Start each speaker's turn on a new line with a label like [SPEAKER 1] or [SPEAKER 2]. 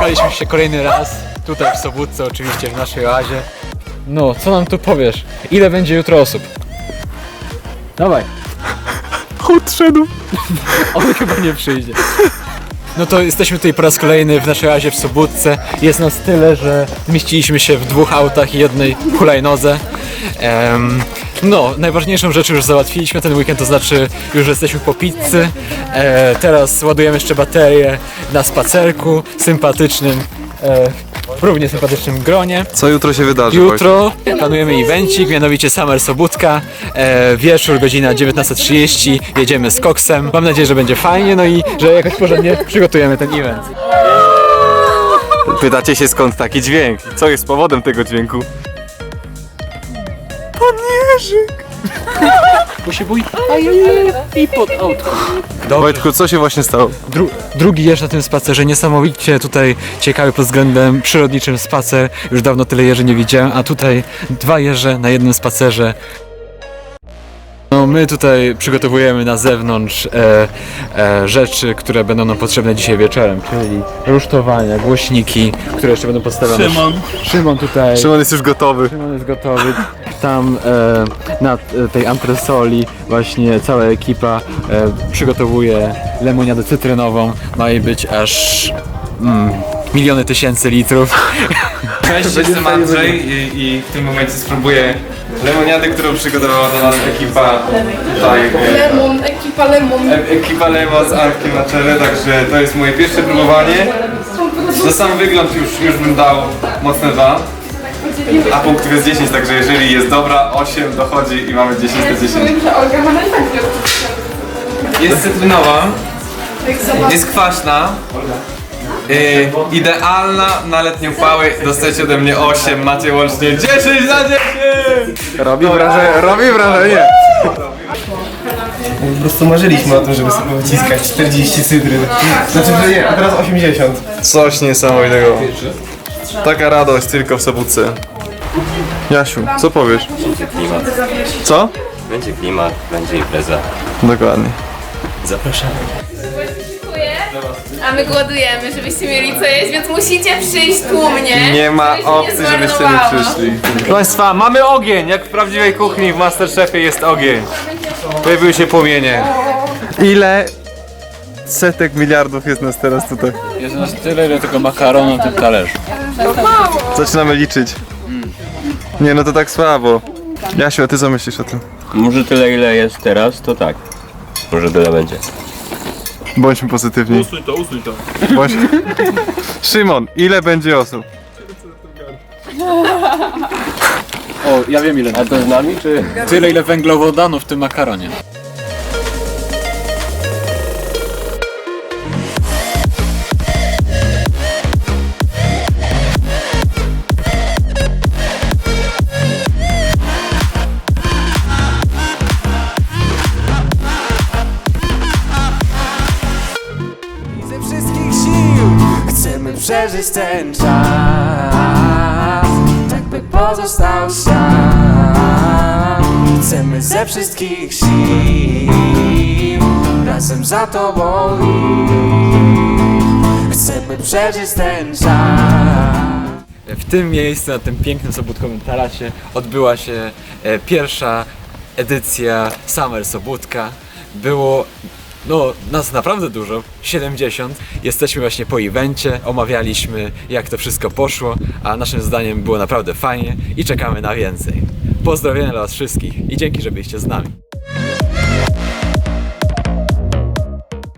[SPEAKER 1] Zebraliśmy się kolejny raz, tutaj w Sobótce oczywiście, w naszej oazie. No, co nam tu powiesz? Ile będzie jutro osób? Dawaj.
[SPEAKER 2] Odszedł.
[SPEAKER 1] On chyba nie przyjdzie. No to jesteśmy tutaj po raz kolejny w naszej oazie w Sobótce. Jest nas tyle, że zmieściliśmy się w 2 autach i jednej hulajnodze. No, najważniejszą rzecz już załatwiliśmy ten weekend, to znaczy już jesteśmy po pizzy. Teraz ładujemy jeszcze baterię na spacerku sympatycznym, równie sympatycznym gronie.
[SPEAKER 2] Co jutro się wydarzy?
[SPEAKER 1] Jutro planujemy evencik, mianowicie Summer Sobótka. Wieczór, godzina 19:30, jedziemy z koksem. Mam nadzieję, że będzie fajnie, no i że jakoś porządnie przygotujemy ten event.
[SPEAKER 2] Pytacie się, skąd taki dźwięk? Co jest powodem tego dźwięku? Pan Jerzyk!
[SPEAKER 1] Bo się bój i pod autko.
[SPEAKER 2] Wojtku, co się właśnie stało?
[SPEAKER 1] Drugi jeż na tym spacerze, niesamowicie tutaj ciekawy pod względem przyrodniczym spacer. Już dawno tyle jeży nie widziałem, a tutaj 2 jeże na jednym spacerze. No my tutaj przygotowujemy na zewnątrz rzeczy, które będą nam potrzebne dzisiaj wieczorem, czyli rusztowania, głośniki, które jeszcze będą podstawione. Szymon tutaj.
[SPEAKER 2] Szymon jest już gotowy.
[SPEAKER 1] Szymon jest gotowy. Tam na tej antresoli właśnie cała ekipa przygotowuje lemoniadę cytrynową. Ma jej być aż miliony tysięcy litrów.
[SPEAKER 2] Cześć, jestem Andrzej i w tym momencie spróbuję lemoniady, którą przygotowała dla nas ekipa tutaj. Ekipa Lemon z Arkiem na czele, także to jest moje pierwsze próbowanie. Za sam wygląd już bym dał mocne 2. A punktów jest 10, także jeżeli jest dobra, 8 dochodzi i mamy 10 na 10. Jest cytrynowa, jest kwaśna, idealna na letnią pałę, dostajecie ode mnie 8, macie łącznie 10 na 10! Robi wrażenie!
[SPEAKER 3] Po prostu marzyliśmy o tym, żeby sobie wyciskać 40 cytryn. Znaczy, że nie, a teraz 80.
[SPEAKER 2] Coś niesamowitego. Taka radość tylko w Sobótce. Jasiu, co powiesz?
[SPEAKER 4] Będzie klimat.
[SPEAKER 2] Co?
[SPEAKER 4] Będzie klimat, będzie impreza.
[SPEAKER 2] Dokładnie.
[SPEAKER 4] Zapraszamy.
[SPEAKER 5] A my głodujemy, żebyście mieli co jeść, więc musicie przyjść tłumnie.
[SPEAKER 2] Nie ma
[SPEAKER 5] żeby się
[SPEAKER 2] opcji, żebyście nie
[SPEAKER 5] zmarnowało.
[SPEAKER 2] przyszli. Proszę Państwa, mamy ogień! Jak w prawdziwej kuchni w Masterchefie jest ogień. Pojawiły się płomienie. Ile setek miliardów jest nas teraz tutaj?
[SPEAKER 1] Jest nas tyle, ile tylko makaronu na tym talerzu.
[SPEAKER 2] Zaczynamy liczyć. Nie, no to tak słabo. Jasiu, a ty co myślisz o tym?
[SPEAKER 4] Może tyle ile jest teraz, to tak. Może tyle będzie.
[SPEAKER 2] Bądźmy pozytywni. Usuń to. Szymon, ile będzie osób?
[SPEAKER 1] O, ja wiem ile.
[SPEAKER 4] A to z nami, czy?
[SPEAKER 1] Tyle, ile węglowodanów w tym makaronie.
[SPEAKER 6] Ze wszystkich sił chcemy przeżyć ten czas, tak by pozostał sam. Chcemy ze wszystkich sił razem za tobą iść. Chcemy przeżyć ten czas.
[SPEAKER 1] W tym miejscu, na tym pięknym sobótkowym tarasie odbyła się pierwsza edycja Summer Sobótka. Było nas naprawdę dużo, 70. Jesteśmy właśnie po evencie, omawialiśmy jak to wszystko poszło, a naszym zdaniem było naprawdę fajnie i czekamy na więcej. Pozdrowienia dla was wszystkich i dzięki, że byliście z nami.